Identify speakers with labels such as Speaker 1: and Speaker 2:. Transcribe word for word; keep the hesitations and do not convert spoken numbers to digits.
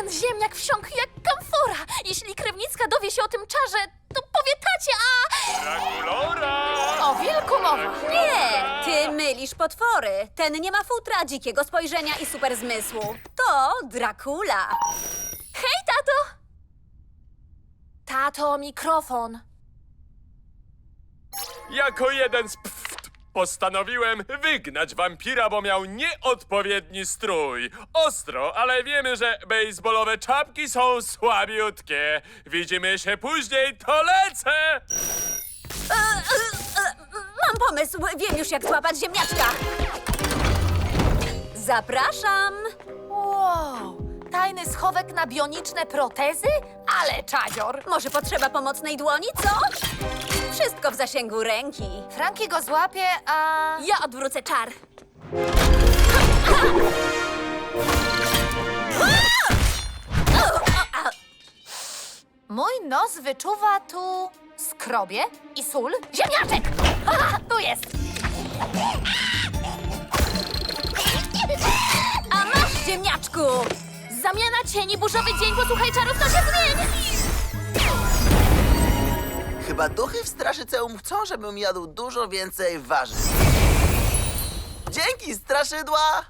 Speaker 1: Ten ziemniak wsiąkł jak kamfora. Jeśli Krewnicka dowie się o tym czarze, to powie tacie, a...
Speaker 2: Drakulora!
Speaker 1: O wilku mowa.
Speaker 3: Nie, ty mylisz potwory. Ten nie ma futra, dzikiego spojrzenia i super zmysłu. To Dracula.
Speaker 1: Hej, tato! Tato, mikrofon.
Speaker 2: Jako jeden z pft postanowiłem wygnać wampira, bo miał nieodpowiedni strój. Ostro, ale wiemy, że bejsbolowe czapki są słabiutkie. Widzimy się później, to lecę!
Speaker 3: E, e, e, mam pomysł, wiem już jak złapać ziemniaczka. Zapraszam.
Speaker 1: Wow, tajny schowek na bioniczne protezy? Ale czadzior.
Speaker 3: Może potrzeba pomocnej dłoni, co? Wszystko w zasięgu ręki.
Speaker 1: Franki go złapie, a...
Speaker 3: Ja odwrócę czar.
Speaker 1: Mój nos wyczuwa tu skrobie i sól. Ziemniaczek! Aha, tu jest!
Speaker 3: A masz, ziemniaczku!
Speaker 1: Zamiana cieni, burzowy dzień, posłuchaj czarów, to się zmieni!
Speaker 4: Chyba duchy w Straszyceum chcą, żebym jadł dużo więcej warzyw. Dzięki, straszydła!